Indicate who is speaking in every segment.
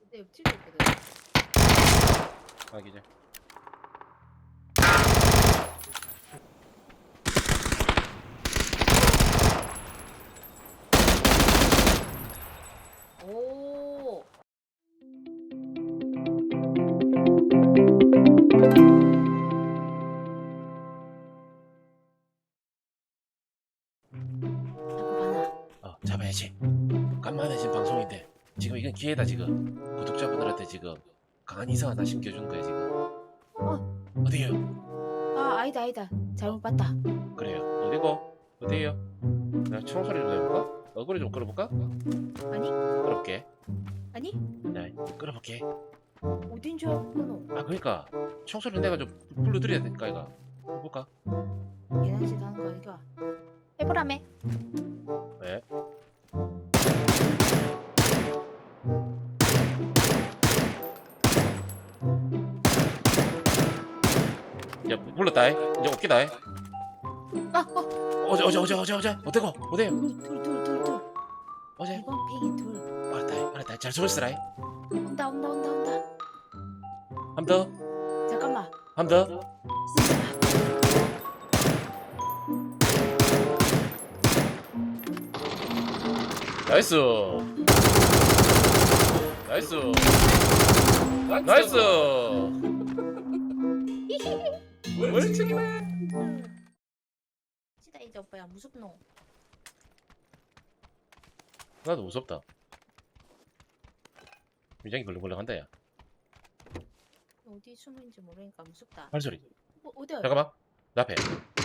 Speaker 1: 내 옆집에 있거든.
Speaker 2: 아 기자.
Speaker 1: 오.
Speaker 2: 잡아야지. 간만에 지금 방송인데 지금 이건 기회다. 지금 구독자분들한테 지금 강한 인상 하나 심겨주는 거야 지금. 어디에요?
Speaker 1: 아, 아니다. 잘못 봤다.
Speaker 2: 그래요. 어디고? 어디에요? 내가 총소리 좀 내볼까? 얼굴이 좀 끌어볼까?
Speaker 1: 아니?
Speaker 2: 끌어볼게.
Speaker 1: 아니?
Speaker 2: 네, 끌어볼게.
Speaker 1: 어딘 줄 알고
Speaker 2: 아 그러니까 총소리 내가 좀 불러드려야 될까 이거. 해볼까?
Speaker 1: 계단식 하는 거 아니가? 해보라매.
Speaker 2: 왜? 야 불렀다. 이제 없기다.
Speaker 1: 아,
Speaker 2: 어제 어때고? 어때요?
Speaker 1: 둘.
Speaker 2: 어제?
Speaker 1: 이번 팽이 둘.
Speaker 2: 알았다. 잘 숨었으라.
Speaker 1: 온다.
Speaker 2: 한 더.
Speaker 1: 잠깐만.
Speaker 2: 한 더. 나이스. 멀쩡이네.
Speaker 1: 시다 이제 오빠야 무섭노?
Speaker 2: 나도 무섭다. 위장이 걸렁걸렁한다 야.
Speaker 1: 어디 숨은지 모르니까 무섭다.
Speaker 2: 발소리.
Speaker 1: 어디야?
Speaker 2: 잠깐만. 나 앞에.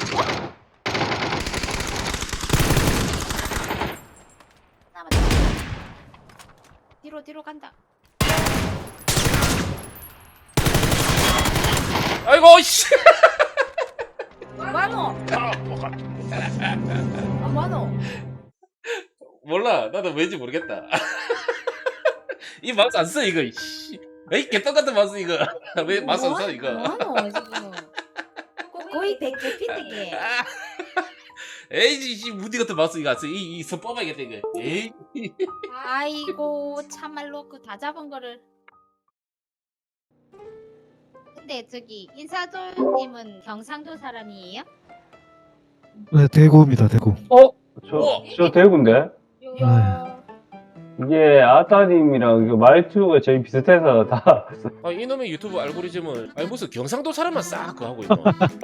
Speaker 1: 남았다. 뒤로 간다.
Speaker 2: 아이고 씨.
Speaker 1: 뭐하노? 아 뭐하노?
Speaker 2: 몰라. 나도 왠지 모르겠다. 이 마우스 안 써 이거. 씨. 에이 개떡같은 마우스 이거. 왜 마우스 안 써 이거?
Speaker 1: 뭐하노 지금? 거의 100개 피드게.
Speaker 2: 에이 씨 무디 같은 마우스 이거 안 써. 이선 뽑아야겠다 이거. 에이.
Speaker 1: 아이고 참말로 그 다 잡은 거를. 근데 저기 인사돌님은 경상도 사람이에요?
Speaker 3: 네, 대구입니다, 대구.
Speaker 2: 우와.
Speaker 4: 저 대구인데?
Speaker 1: 요.
Speaker 4: 이게 아따님이랑 그 말투가 저희 비슷해서 다.
Speaker 2: 아 이놈의 유튜브 알고리즘은 아니 무슨 경상도 사람만 싹 그거 하고 있노.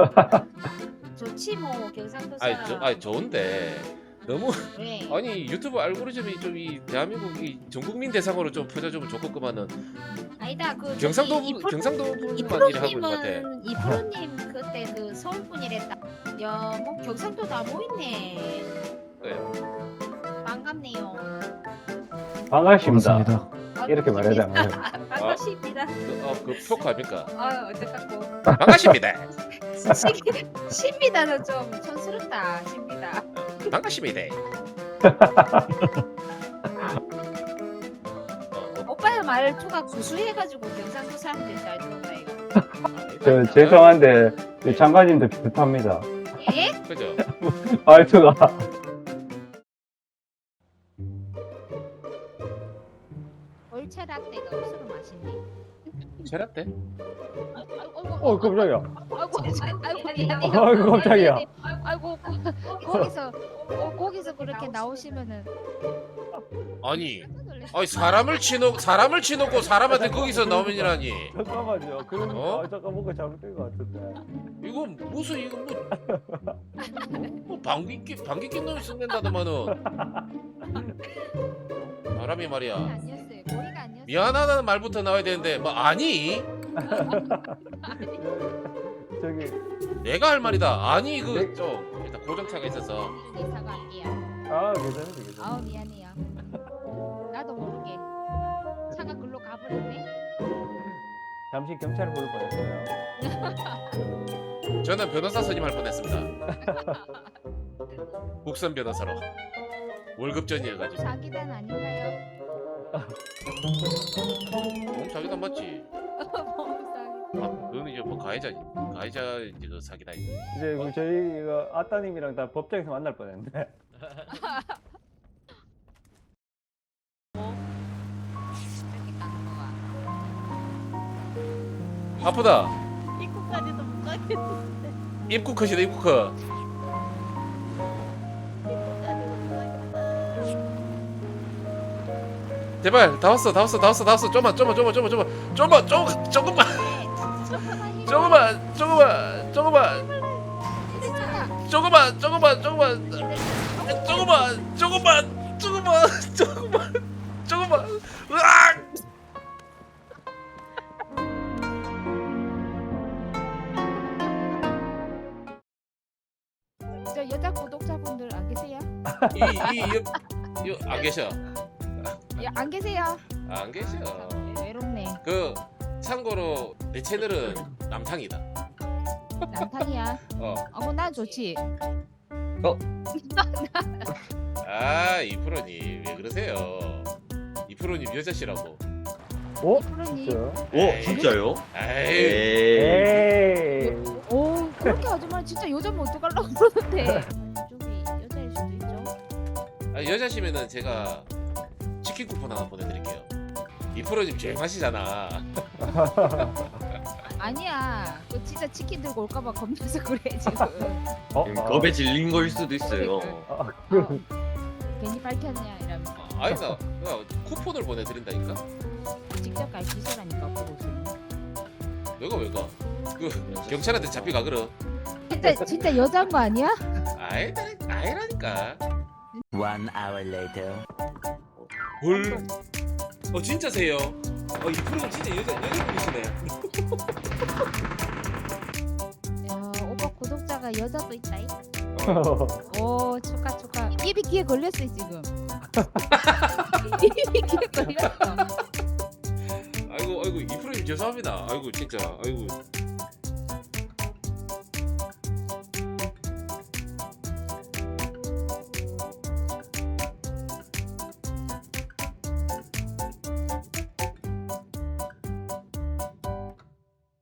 Speaker 1: 좋지 뭐 경상도
Speaker 2: 아니
Speaker 1: 사람.
Speaker 2: 좋은데 너무
Speaker 1: 왜?
Speaker 2: 아니 유튜브 알고리즘이 좀 이 대한민국 전 국민 대상으로 좀 퍼져주면 좋겠구만은
Speaker 1: 아니다 그
Speaker 2: 경상도
Speaker 1: 저기
Speaker 2: 분만 일을 하고 있는 것 같아.
Speaker 1: 이프로님 그때 그 서울 분이랬다. 야 뭐 경상도 다 모있네.
Speaker 2: 그래요.
Speaker 1: 반갑네요.
Speaker 4: 반갑습니다.
Speaker 3: 반갑습니다.
Speaker 4: 이렇게 말해야 되나요?
Speaker 1: 반갑습니다.
Speaker 2: 그 표크 아닙니까?
Speaker 1: 아 어떡하고.
Speaker 2: 반갑습니다.
Speaker 1: 신비다는 좀 촌스럽다. 신비다.
Speaker 2: 반갑습니다.
Speaker 1: 오빠의 말투가 구수해가지고 경상도 사람들이 잘 들어온다 이거.
Speaker 4: 저 죄송한데 저 장관님도 비슷합니다.
Speaker 1: 예?
Speaker 2: 그죠?
Speaker 4: 말투가.
Speaker 1: 얼차 라떼가 없어서 맛있네.
Speaker 2: 체라떼?
Speaker 4: 깜짝이야.
Speaker 1: 아이고 미안해요.
Speaker 4: 아이고, 깜짝이야.
Speaker 1: 아이고 거기서 그렇게 나오시면은
Speaker 2: 아니 사람을 치놓고 사람한테 거기서 나오면이라니.
Speaker 4: 잠깐만요. 그런
Speaker 2: 어?
Speaker 4: 잠깐 뭔가 잘못된 것 같은데.
Speaker 2: 이거 무슨 이거 뭐 방귀 낀 놈이 쓴댄다더만은. 사람이 말이야.
Speaker 1: 아니었어요. 머리가 아니었어요.
Speaker 2: 미안하다는 말부터 나와야 되는데 뭐 아니
Speaker 4: 저기
Speaker 2: 내가 할 말이다. 아니
Speaker 4: 네.
Speaker 2: 그 좀 일단 고정차가 있어서.
Speaker 1: 사과할게요.
Speaker 4: 괜찮은데.
Speaker 1: 아우 미안해요. 나도 모르게 차가 글로 가버렸네.
Speaker 4: 잠시 경찰을 부를 뻔했어요.
Speaker 2: 저는 변호사 선임할 뻔했습니다. 국선 변호사로 월급전이어가지고.
Speaker 1: 자기단 아닌가요?
Speaker 2: 자기단 맞지? 아 그거는 이제 뭐 가해자 이제 그 사기다 이거.
Speaker 4: 이제 그 저희가 아따님이랑 다 법정에서 만날 뻔했는데.
Speaker 1: 이렇게 까는 거가.
Speaker 2: 아프다.
Speaker 1: 입구까지도 못 가겠는데.
Speaker 2: 입구 컷이다 입구 컷.
Speaker 1: 입구까지도 못 가겠다.
Speaker 2: 제발 다 왔어 다 왔어 다 왔어 다 왔어. 조금만 조금만 조금만 조금만 조금만 조금만 조금만 조금만 조금만
Speaker 1: 괜찮아.
Speaker 2: 조금만 조금만 조금만 조금만 조금만 조금만 조금만 으악.
Speaker 1: 저 여자 구독자분들 안 계세요?
Speaker 2: 이안 계셔.
Speaker 1: 안 계세요?
Speaker 2: 안 계셔.
Speaker 1: 외롭네.
Speaker 2: 그 참고로 내 채널은 남탕이다.
Speaker 1: 남탕이야.
Speaker 2: 어.
Speaker 1: 난 좋지.
Speaker 2: 아 이프로님 왜 그러세요? 이프로님 여자시라고.
Speaker 1: 프로님.
Speaker 4: 진짜요?
Speaker 5: 오 진짜요?
Speaker 2: 에이.
Speaker 4: 에이.
Speaker 1: 오 그렇게 하지 마. 진짜 여자면 어떡하려고 그러는데. 저기 여자일 수도 있죠.
Speaker 2: 아, 여자시면은 제가 치킨 쿠폰 하나 보내드릴게요. 이프로님 조용하시잖아.
Speaker 1: 아니야. 그 진짜 치킨 들고 올까봐 겁나서 그래 지금.
Speaker 5: 겁에 질린 거일 수도 있어요.
Speaker 1: 괜히 밝혔냐 이러면서.
Speaker 2: 아니다. 쿠폰을 보내드린다니까.
Speaker 1: 직접 갈 기세라니까 보고 있어.
Speaker 2: 내가 왜 가? 그 경찰한테 잡혀가 그러.
Speaker 1: 진짜 여자인 거 아니야?
Speaker 2: 아니라니까.
Speaker 6: 1 hour later.
Speaker 2: 뭘? 진짜세요? 이프로님 진짜 여자분이시네.
Speaker 1: 야, 오빠 구독자가 여자도 있다. 오 축하. 입이 귀에 걸렸어 지금. 입이 귀에 걸렸어.
Speaker 2: 아이고 이프로님 죄송합니다. 아이고 진짜 아이고